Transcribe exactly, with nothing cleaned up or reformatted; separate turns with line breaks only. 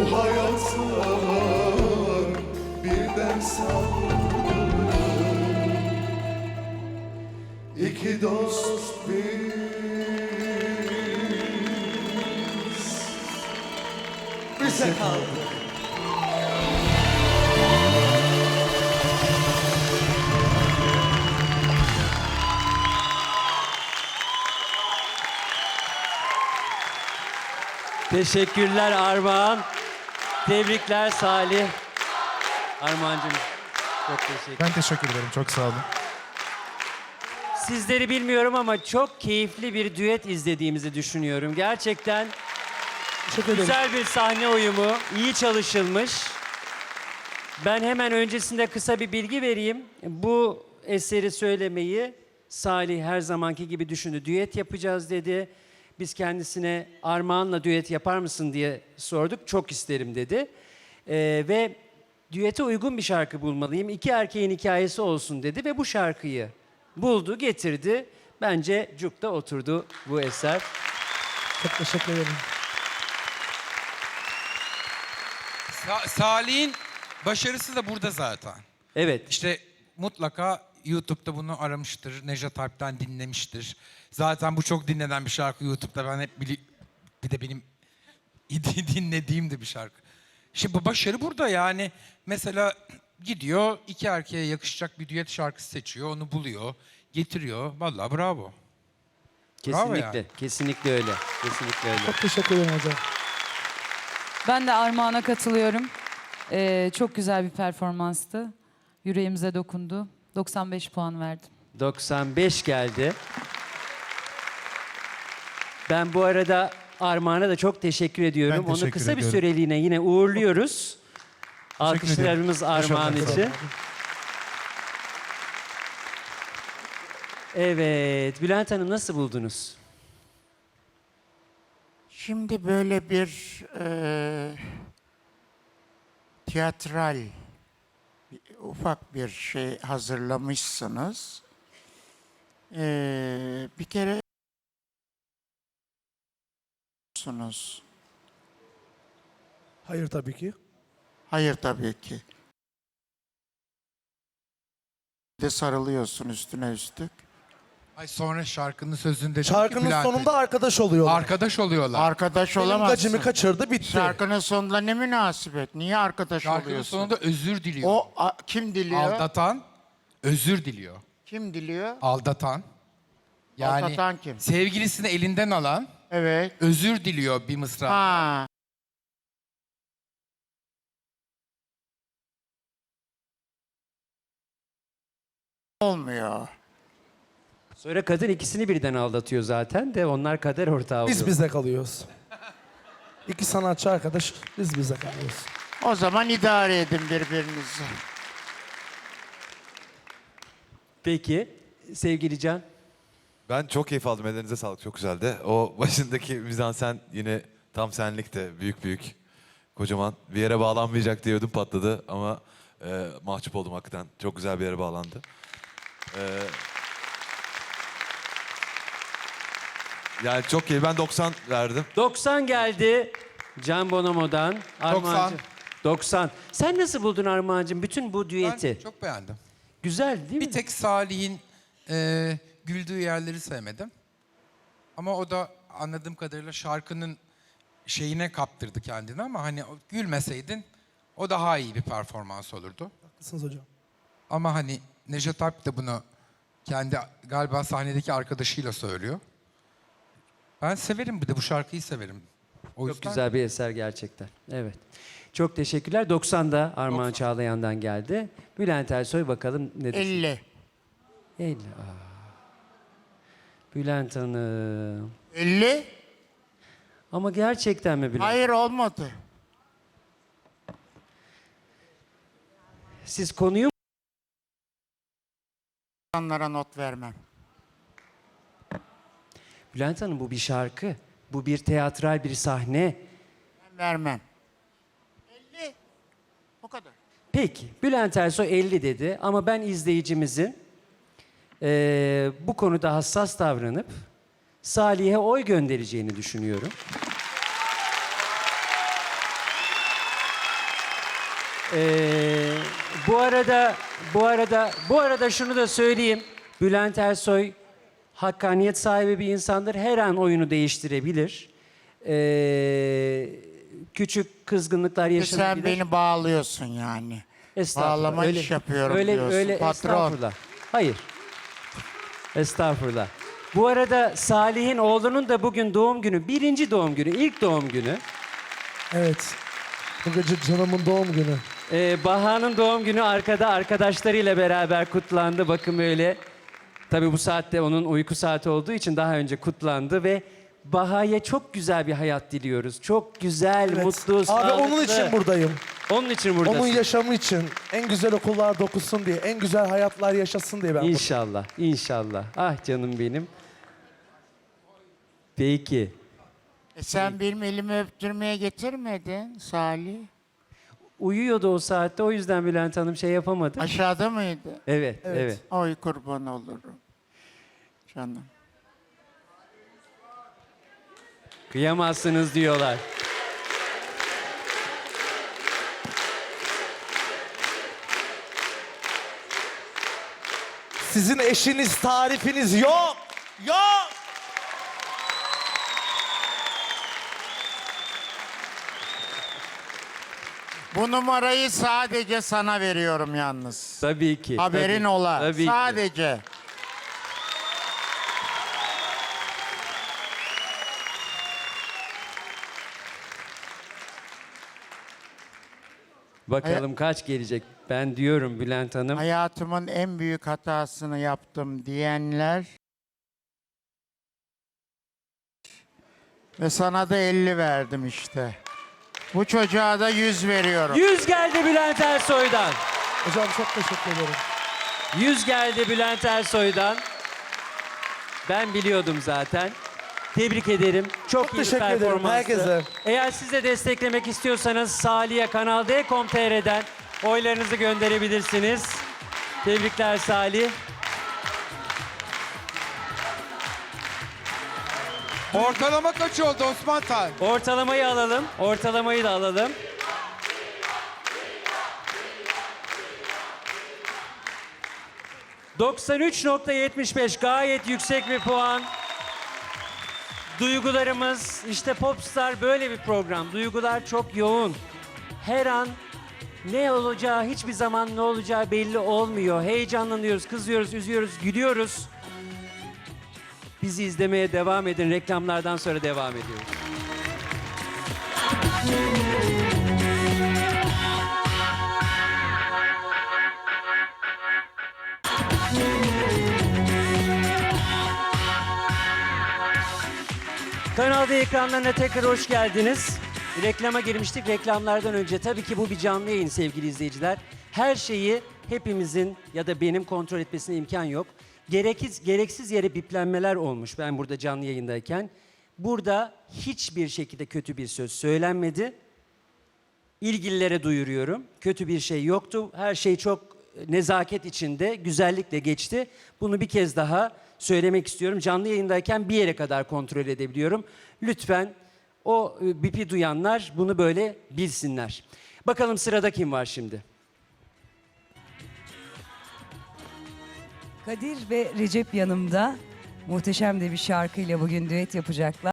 hayatlar birden sardı. İki dost biz, bize kaldı.
Teşekkürler Armağan. Tebrikler Salih. Armağancığım çok teşekkür.
Ben teşekkür ederim. Çok sağ olun.
Sizleri bilmiyorum ama çok keyifli bir düet izlediğimizi düşünüyorum. Gerçekten
Teşekkür ederim.
güzel bir sahne uyumu, iyi çalışılmış. Ben hemen öncesinde kısa bir bilgi vereyim. Bu eseri söylemeyi Salih her zamanki gibi düşündü. Düet yapacağız dedi. Biz kendisine Armağan'la düet yapar mısın diye sorduk. Çok isterim dedi. Ee, ve düete uygun bir şarkı bulmalıyım. İki erkeğin hikayesi olsun dedi ve bu şarkıyı buldu, getirdi. Bence cukta oturdu bu eser.
Çok teşekkür ederim.
Sa- Salih'in başarısı da burada zaten.
Evet.
İşte mutlaka YouTube'da bunu aramıştır, Nejat Alp'ten dinlemiştir. Zaten bu çok dinlenen bir şarkı YouTube'da. Ben hep bili bir de benim dinlediğim de bir şarkı. Şimdi bu başarı burada yani. Mesela gidiyor iki erkeğe yakışacak bir düet şarkısı seçiyor, onu buluyor, getiriyor. Vallahi bravo.
Kesinlikle,
yani.
kesinlikle öyle. Kesinlikle öyle.
Çok teşekkür ederim hocam.
Ben de Armağan'a katılıyorum. Ee, çok güzel bir performanstı. Yüreğimize dokundu. doksan beş puan verdim.
doksan beş geldi. Ben bu arada Armağan'a da çok teşekkür ediyorum.
Ben
Onu
teşekkür
kısa bir
ediyorum.
süreliğine yine uğurluyoruz. Alkışlarımız
ederim.
Armağan
Teşekkür
için.
ederim.
Evet, Bülent Hanım nasıl buldunuz?
Şimdi böyle bir e, tiyatral bir- ufak bir şey hazırlamışsınız. E, bir kere sunuz.
Hayır tabii ki.
Hayır tabii ki. De sarılıyorsun üstüne üstlük.
Ay sonra şarkının sözünde... diyor ki
Şarkının
Bülent Bey,
sonunda arkadaş oluyorlar.
arkadaş oluyorlar.
Arkadaş
Benim
olamazsın.
gacımı kaçırdı bitti.
Şarkının sonunda ne münasebet? Niye arkadaş
Şarkının
oluyorsun?
sonunda özür diliyor.
O a- kim diliyor?
Aldatan özür diliyor.
Kim diliyor?
Aldatan. Yani
Aldatan kim?
sevgilisini elinden alan
Evet.
özür diliyor bir mısra.
Ha. Olmuyor.
Sonra kadın ikisini birden aldatıyor zaten de onlar kader ortağı oluyor.
Biz bize kalıyoruz. İki sanatçı arkadaş, biz bize kalıyoruz.
O zaman idare edin birbirinizi.
Peki, sevgili Can.
Ben çok keyif aldım. Ellerinize sağlık. Çok güzeldi. O başındaki mizansen yine tam senlikte. Büyük büyük. Kocaman. Bir yere bağlanmayacak diye ödüm patladı ama e, mahcup oldum hakikaten. Çok güzel bir yere bağlandı. E, yani çok keyif. Ben doksan verdim.
doksan geldi Can Bonomo'dan. Armağancığım. doksan. Sen nasıl buldun Armağancığım bütün bu düeti?
Ben çok beğendim.
Güzel değil mi?
Bir tek Salih'in e, güldüğü yerleri sevmedim. Ama o da anladığım kadarıyla şarkının şeyine kaptırdı kendini ama hani o gülmeseydin o daha iyi bir performans olurdu.
Haklısınız hocam.
Ama hani Nejat Alp de bunu kendi galiba sahnedeki arkadaşıyla söylüyor. Ben severim, bir de bu şarkıyı severim. O
Çok
yüzden
güzel bir eser gerçekten. Evet. Çok teşekkürler. doksan'da Armağan
doksan.
Çağlayan'dan geldi. Bülent Ersoy bakalım ne düşünüyor?
elli.
elli. Aa. Bülent Hanım.
elli?
Ama gerçekten mi Bülent?
Hayır olmadı.
Siz konuyu
İnsanlara not vermem.
Bülent Hanım bu bir şarkı. Bu bir tiyatral bir sahne.
Ben vermem. elli. O kadar.
Peki Bülent Ersoy elli dedi ama ben izleyicimizin eee, bu konuda hassas davranıp Salih'e oy göndereceğini düşünüyorum. Ee, bu arada bu arada bu arada şunu da söyleyeyim. Bülent Ersoy hakkaniyet sahibi bir insandır. Her an oyunu değiştirebilir. Ee, küçük kızgınlıklar
E
yaşanabilir.
sen beni bağlıyorsun yani.
Estağfurullah.
Bağlama iş yapıyorum
öyle,
diyorsun.
öyle,
Patron.
Estağfurullah. Hayır. Estağfurullah. Bu arada Salih'in oğlunun da bugün doğum günü. Birinci doğum günü, ilk doğum günü.
Evet. Bu gece canımın doğum günü.
Ee, Baha'nın doğum günü arkada arkadaşlarıyla beraber kutlandı. Bakın öyle. Tabii bu saatte onun uyku saati olduğu için daha önce kutlandı ve Baha'ya çok güzel bir hayat diliyoruz. Çok güzel,
Evet.
mutlu,
Abi
sağlıklı.
onun için buradayım.
Onun için buradasın.
Onun yaşamı için. En güzel okullar dokusun diye. En güzel hayatlar yaşasın diye ben buradayım.
İnşallah, inşallah. Ah canım benim. Peki.
E sen benim elimi öptürmeye getirmedin Salih.
Uyuyordu o saatte, o yüzden Bülent Hanım şey yapamadı.
Aşağıda mıydı?
Evet, evet.
Evet.
Oy kurban olurum. Canım.
Kıyamazsınız diyorlar.
Sizin eşiniz, tarifiniz yok. Yok.
Bu numarayı sadece sana veriyorum yalnız.
Tabii ki.
Haberin
tabii,
ola.
Tabii ki.
Sadece.
Bakalım kaç gelecek. Ben diyorum Bülent Hanım.
Hayatımın en büyük hatasını yaptım diyenler ve sana da elli verdim işte. Bu çocuğa da yüz veriyorum.
yüz geldi Bülent Ersoy'dan.
Hocam çok teşekkür ederim.
yüz geldi Bülent Ersoy'dan. Ben biliyordum zaten. Tebrik ederim. Çok,
Çok
iyi bir
teşekkür ederim
performanstı.
herkese.
Eğer siz de desteklemek istiyorsanız Salih'e kanal d nokta com nokta t r'den oylarınızı gönderebilirsiniz. Tebrikler Salih.
Ortalama kaç oldu Osman Tan?
Ortalamayı alalım. Ortalamayı da alalım. doksan üç nokta yetmiş beş gayet yüksek bir puan. Duygularımız, işte Popstar böyle bir program. Duygular çok yoğun. Her an ne olacağı, hiçbir zaman ne olacağı belli olmuyor. Heyecanlanıyoruz, kızıyoruz, üzüyoruz, gülüyoruz. Bizi izlemeye devam edin. Reklamlardan sonra devam ediyoruz. Kanal D ekranlarına tekrar hoş geldiniz. Reklama girmiştik. Reklamlardan önce tabii ki bu bir canlı yayın sevgili izleyiciler. Her şeyi hepimizin ya da benim kontrol etmesine imkan yok. Gereksiz, gereksiz yere biplenmeler olmuş ben burada canlı yayındayken. Burada hiçbir şekilde kötü bir söz söylenmedi. İlgililere duyuruyorum. Kötü bir şey yoktu. Her şey çok nezaket içinde, güzellikle geçti. Bunu bir kez daha söylemek istiyorum. Canlı yayındayken bir yere kadar kontrol edebiliyorum. Lütfen o e, bipi duyanlar bunu böyle bilsinler. Bakalım sırada kim var şimdi?
Kadir ve Recep yanımda muhteşem de bir şarkıyla bugün düet yapacaklar.